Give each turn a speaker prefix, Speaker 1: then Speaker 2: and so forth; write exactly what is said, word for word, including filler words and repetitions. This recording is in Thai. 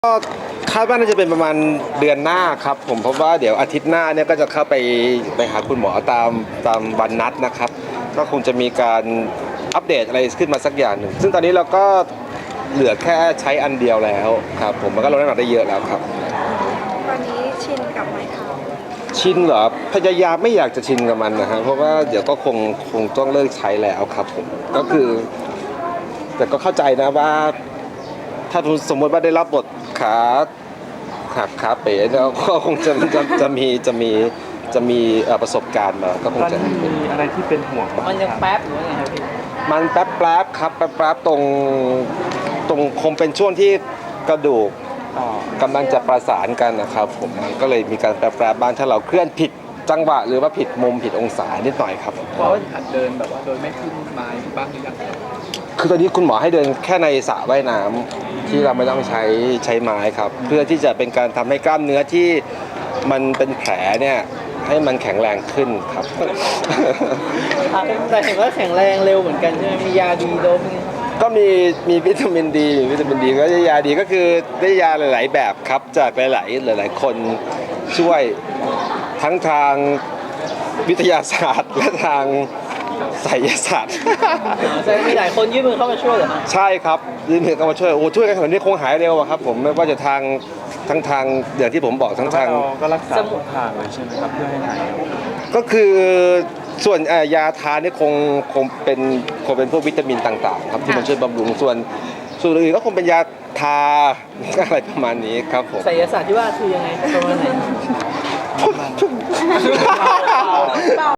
Speaker 1: ก็คาดว่าน่าจะเป็นประมาณเดือนหน้าครับผมเพราะว่าเดี๋ยวอาทิตย์หน้าเนี่ยก็จะเข้าไปไปหาคุณหมอตามตามวันนัดนะครับก็คงจะมีการอัปเดตอะไรขึ้นมาสักอย่างหนึ่งซึ่งตอนนี้เราก็เหลือแค่ใช้อันเดียวแล้วครับผมมันก็ลดน้ำหนักได้เยอะแล้วครับ
Speaker 2: ตอนนี้ชินกับไม้เท้า
Speaker 1: ชินเหรอพยายามไม่อยากจะชินกับมันนะฮะเพราะว่าเดี๋ยวก็คงคงต้องเลิกใช้แล้วครับผมก็คือ แต่ก็เข้าใจนะว่า ถ้าสมมติว่าได้รับบทขาหักขาเป๋เนี่ยก็คงจะจะจะมีจะมีจะมีเอ่อประสบการณ์มาก็คง
Speaker 3: ตอน
Speaker 1: จะ
Speaker 3: นี้มีอะไรที่เป็นห่วงบ้าง
Speaker 4: มันยัง
Speaker 3: ครับ
Speaker 4: แป๊บหรือว่าไงครับพี่
Speaker 1: มันแป๊บแป๊บๆครับแป๊บแป๊บๆตรงตรงคงเป็นช่วงที่กระดูก
Speaker 3: ต่อก
Speaker 1: ำลังจะประสานกันนะครับผมมันก็เลยมีการแป๊บแป๊บๆบ้างถ้าเราเคลื่อนผิดจังหวะหรือว่าผิดมุมผิดองศานิดหน่อยครับ
Speaker 4: เพราะว่าหัดเดินแบบว่าโดยไม่ขึ้นไม้บ้างหรือยัง
Speaker 1: คือตอนนี้คุณหมอให้เดินแค่ในสระว่ายน้ำที่เราไม่ต้องใช้ใช้ไม้ครับ เพื่อที่จะเป็นการทำให้กล้ามเนื้อที่มันเป็นแผลเนี่ยให้มันแข็งแรงขึ้นครับ
Speaker 4: แต่เห็นว่าแข็งแรงเร็วเหมือนกันใช่ไหมมียาดีโดมนี่
Speaker 1: ก็มีมีวิตามินดีวิตามินดีก็ได้ยาดีก็คือได้ยาหลาย ๆ แบบครับจากหลายๆหลาย ๆ คนช่วยทั้งทางวิทยาศาสตร์และทางไสยศาสตร์
Speaker 4: แสดงมีหลายคนยื่นมือเข้ามาช่วยเหรอครับ
Speaker 1: ใช่ครับยืนมือเข้ามาช่วยโอ้ช่วยกันขนาดนี้คงหายเร็วอะครับผมไม่ว่าจะทางทั้งทางอย่างที่ผมบอกทั้ง
Speaker 3: แต่ว่า
Speaker 1: ทาง
Speaker 3: เราก็รักษาทุกทางเลยใช่ไหมครับเพื่อให้หาย
Speaker 1: ก็คือส่วนเอ่อยาทานนี่คงคงเป็นคงเป็นพวกวิตามินต่างๆครับที่มันช่วยบำรุงส่วนส่วนอื่นก็คงเป็นยาทา อะไรประมาณนี้ครับผม
Speaker 4: ไสยศาสตร์ที่ว่าคือยังไงประมาณไหน